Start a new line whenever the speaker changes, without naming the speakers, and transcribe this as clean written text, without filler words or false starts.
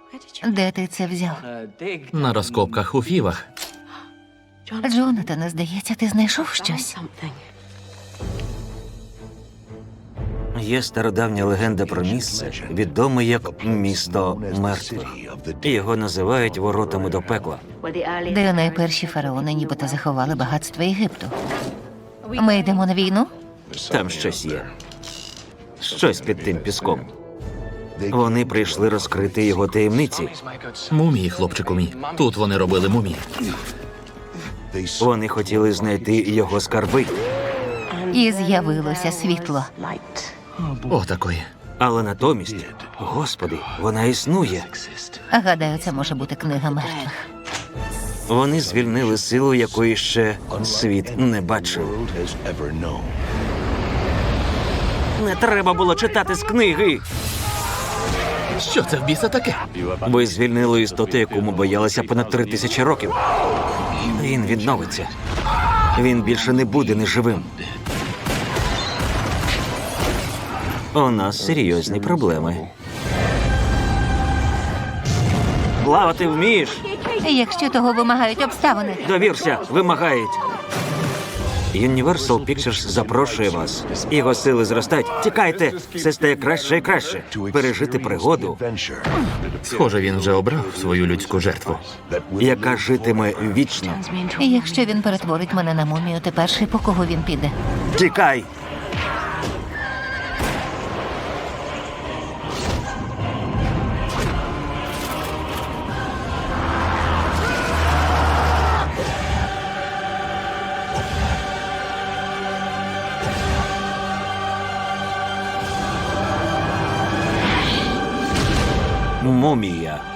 Де ти це взяв?
На розкопках у Фівах.
Джонатане, здається, ти знайшов щось?
Є стародавня легенда про місце, відоме як місто мертвих. Його називають воротами до пекла.
Де найперші фараони нібито заховали багатство Єгипту. Ми йдемо на війну?
Там щось є. Щось під тим піском. Вони прийшли розкрити його таємниці.
Мумії, хлопчику мій. Тут вони робили мумії.
Вони хотіли знайти його скарби,
І з'явилося світло.
Отакої.
але натомість, Господи, вона існує.
Гадаю, це може бути книга мертвих.
Вони звільнили силу, якої ще світ не бачив. Не треба було читати з книги.
Що це в біса таке?
Ви звільнили істоту, яку ми боялися понад 3000 років. Він відновиться. Він більше не буде неживим. У нас серйозні проблеми. Плавати вмієш?
Якщо того вимагають обставини.
Довірся, вимагають. Universal Pictures запрошує вас. Його сили зростають. Тікайте, все стає краще і краще. Пережити пригоду,
Схоже, він вже обрав свою людську жертву.
яка житиме вічно.
І якщо він перетворить мене на мумію, ти перший, по кого він піде.
Тікай! Мумія.